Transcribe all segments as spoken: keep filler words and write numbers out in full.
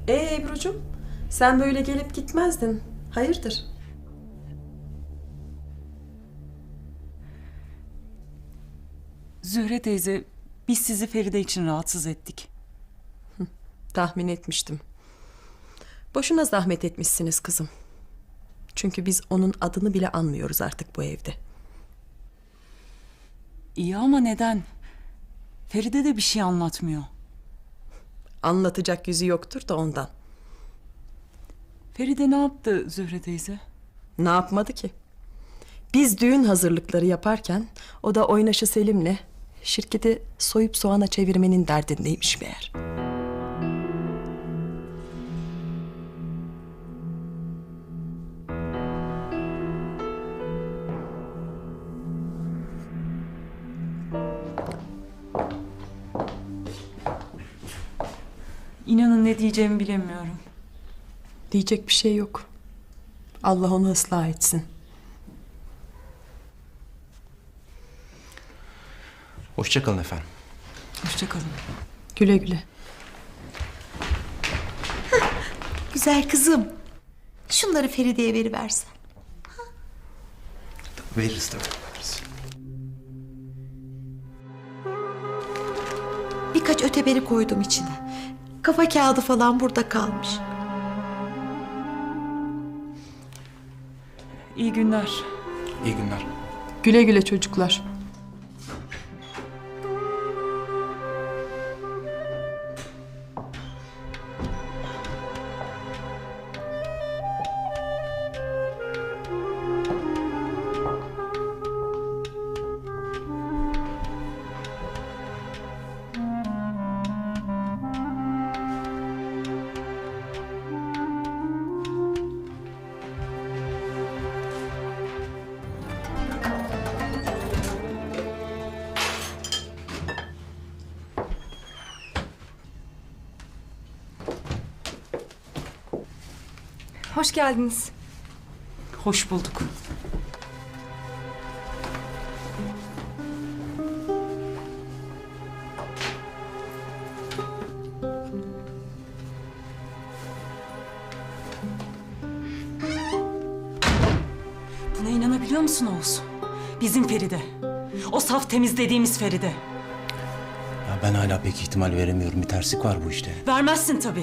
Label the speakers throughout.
Speaker 1: Ee Ebru'cum, sen böyle gelip gitmezdin. Hayırdır?
Speaker 2: Zühre teyze, biz sizi Feride için rahatsız ettik.
Speaker 1: Tahmin etmiştim. Boşuna zahmet etmişsiniz kızım. Çünkü biz onun adını bile anmıyoruz artık bu evde.
Speaker 2: İyi ama neden? Feride de bir şey anlatmıyor.
Speaker 1: Anlatacak yüzü yoktur da ondan.
Speaker 2: Feride ne yaptı Zühre teyze?
Speaker 1: Ne yapmadı ki? Biz düğün hazırlıkları yaparken o da oynaşı Selim'le şirketi soyup soğana çevirmenin derdindeymiş meğer.
Speaker 2: İnanın ne diyeceğimi bilemiyorum.
Speaker 1: Diyecek bir şey yok. Allah onu ıslah etsin.
Speaker 3: Hoşça kalın efendim.
Speaker 2: Hoşça kalın.
Speaker 1: Güle güle.
Speaker 4: Güzel kızım. Şunları Feride'ye veriversen.
Speaker 3: Veririz tabii. Veririz.
Speaker 4: Birkaç öteberi koydum içine. Kafa kağıdı falan burada kalmış.
Speaker 2: İyi günler.
Speaker 3: İyi günler.
Speaker 1: Güle güle çocuklar.
Speaker 5: Hoş geldiniz.
Speaker 2: Hoş bulduk. Buna inanabiliyor musun Oğuz? Bizim Feride. O saf temiz dediğimiz Feride.
Speaker 3: Ya ben hala pek ihtimal veremiyorum. Bir terslik var bu işte.
Speaker 2: Vermezsin tabii.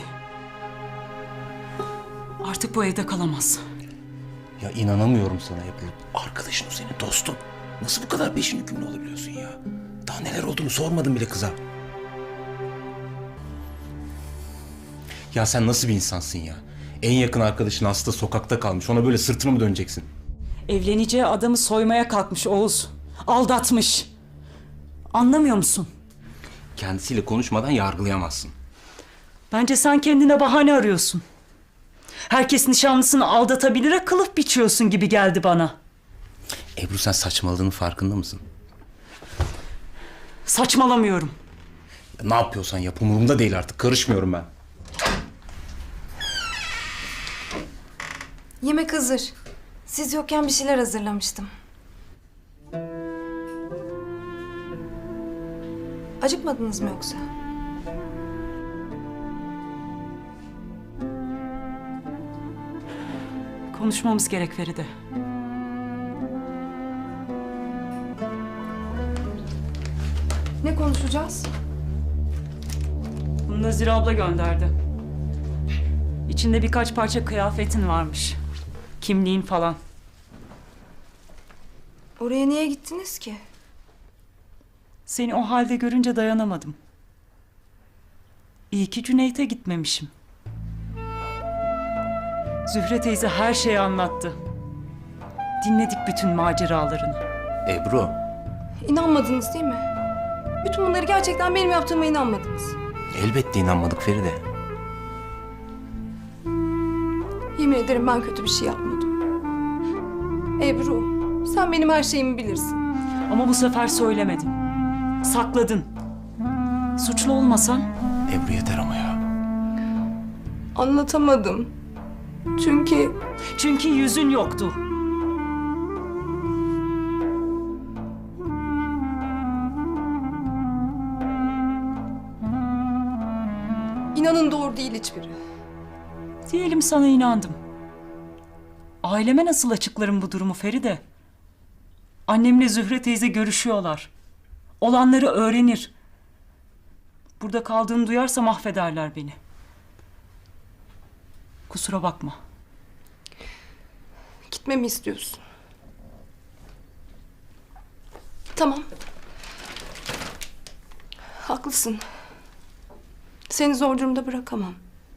Speaker 2: Artık bu evde kalamaz.
Speaker 3: Ya inanamıyorum sana Ebru. Arkadaşın o senin dostun. Nasıl bu kadar peşin hükümlü olabiliyorsun ya? Daha neler olduğunu sormadım bile kıza. Ya sen nasıl bir insansın ya? En yakın arkadaşın hasta sokakta kalmış. Ona böyle sırtını mı döneceksin?
Speaker 2: Evleneceği adamı soymaya kalkmış Oğuz. Aldatmış. Anlamıyor musun?
Speaker 3: Kendisiyle konuşmadan yargılayamazsın.
Speaker 2: Bence sen kendine bahane arıyorsun. Herkes nişanlısını aldatabilire kılıf biçiyorsun gibi geldi bana.
Speaker 3: Ebru sen saçmaladığının farkında mısın?
Speaker 2: Saçmalamıyorum.
Speaker 3: Ya ne yapıyorsan yap, umurumda değil artık. Karışmıyorum ben.
Speaker 5: Yemek hazır. Siz yokken bir şeyler hazırlamıştım. Acıkmadınız mı yoksa?
Speaker 2: Konuşmamız gerek Feride.
Speaker 5: Ne konuşacağız?
Speaker 2: Bunu Nazire abla gönderdi. İçinde birkaç parça kıyafetin varmış. Kimliğin falan.
Speaker 5: Oraya niye gittiniz ki?
Speaker 2: Seni o halde görünce dayanamadım. İyi ki Cüneyt'e gitmemişim. Zühre teyze her şeyi anlattı. Dinledik bütün maceralarını.
Speaker 3: Ebru,
Speaker 5: İnanmadınız değil mi? Bütün bunları gerçekten benim yaptığıma inanmadınız.
Speaker 3: elbette inanmadık Feride.
Speaker 5: Yemin ederim ben kötü bir şey yapmadım. Ebru, sen benim her şeyimi bilirsin.
Speaker 2: Ama bu sefer söylemedin. Sakladın. Suçlu olmasan
Speaker 3: Ebru yeter ama ya.
Speaker 5: Anlatamadım. Çünkü
Speaker 2: çünkü yüzün yoktu.
Speaker 5: inanın doğru değil hiçbiri.
Speaker 2: Diyelim sana inandım. Aileme nasıl açıklarım bu durumu Feride? Annemle Zühre teyze görüşüyorlar. Olanları öğrenir. Burada kaldığını duyarsa mahvederler beni. Kusura bakma.
Speaker 5: Gitmemi istiyorsun. Tamam. Haklısın. Seni zor durumda bırakamam.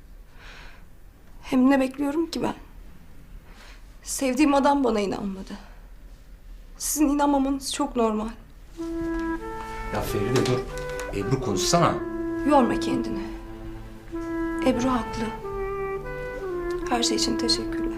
Speaker 5: Hem ne bekliyorum ki ben? Sevdiğim adam bana inanmadı. Sizin inanmamanız çok normal.
Speaker 3: Ya Feride dur. Ebru konuşsana.
Speaker 5: Yorma kendini. Ebru haklı. Her şey için teşekkürler.